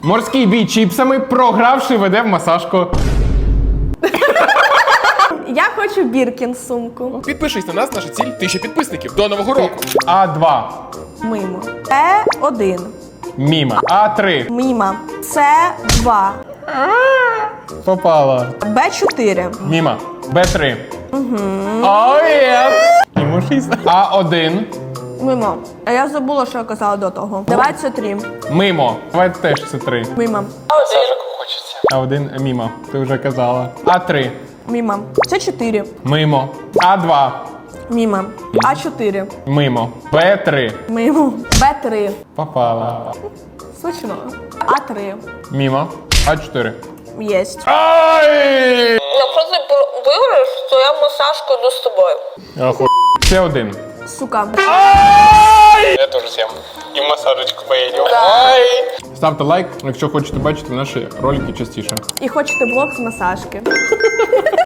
Морський бій чіпсами, програвши веде в масажку. Я хочу Біркін сумку. Підпишись на нас, наша ціль 1000 підписників до Нового року. А2. Мимо. Е1. Міма. А3. Міма. С2. Попала. Б4. Міма. Б3. О, єс. Йому 6. А1. Мимо. А я забула, що я казала до того. Давай це 3. Мимо. Давай теж це 3. Мимо. А1 мімо. Ти вже казала. А3. Мимо. Це 4. Мимо. А2. Мимо. А4. Мимо. Б3. Мимо. Б3. Попала. Смачно. А3. Мімо. А4. Єсть. Ай! Якщо ти виграєш, то я масажку йду з тобою. Оху... Це 1. Сука. Я теж з'їм. І в масажечку поїдемо. Ставте лайк, якщо хочете бачити наші ролики частіше. І хочете влог з масажки.